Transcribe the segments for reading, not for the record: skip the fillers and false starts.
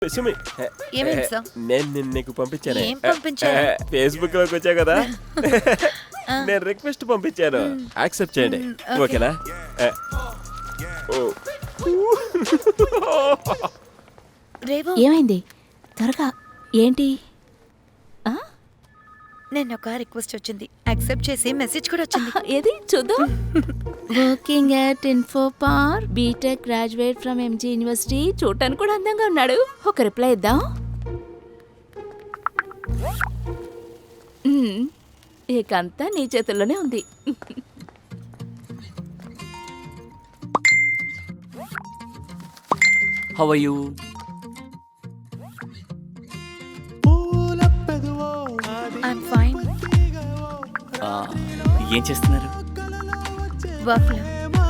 సుమి, ఏమైంది సార్? నేను నీకు పంపించాను. ఏం పంపించారు? ఫేస్బుక్ లోకి వచ్చా కదా, నేను రిక్వెస్ట్ పంపించాను, యాక్సెప్ట్ చేయండి. ఓకే. ఓకేనా? ఓ. రేవు, ఏమైంది త్వరగా ఏంటి? నేను ఒక రిక్వెస్ట్ వచ్చింది, యాక్సెప్ట్ చేసి మెసేజ్ కూడా వచ్చింది. ఏది చూద్దాం. Working at Infopark, B Tech graduate from MG university. చూడటానికి కూడా అందంగా ఉన్నాడు. ఒక రిప్లై ఇద్దాం. ఇకంతా నీ చేతుల్లోనే ఉంది. How are you? I'm fine. ఏం చేస్తున్నారు? వర్క్ లో.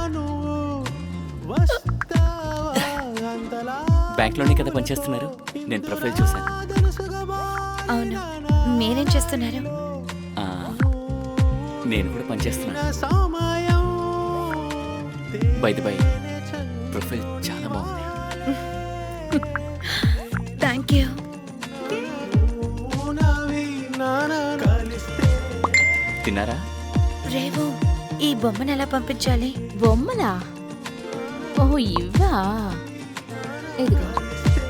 బ్యాంక్లోనే కదా పనిచేస్తున్నారు? నేను ప్రొఫైల్ చూశాను. అవును, మీరేం చేస్తున్నారు? ఆ, నేను కూడా పనిచేస్తున్నాను. బై ది బై, ప్రొఫైల్ చాలా బాగుంది. Thank you. తిన్నారా? రేవు, ఈ బొమ్మను ఎలా పంపించాలి? బొమ్మలా? ఓహో ఇవ్వా. ఇదిగో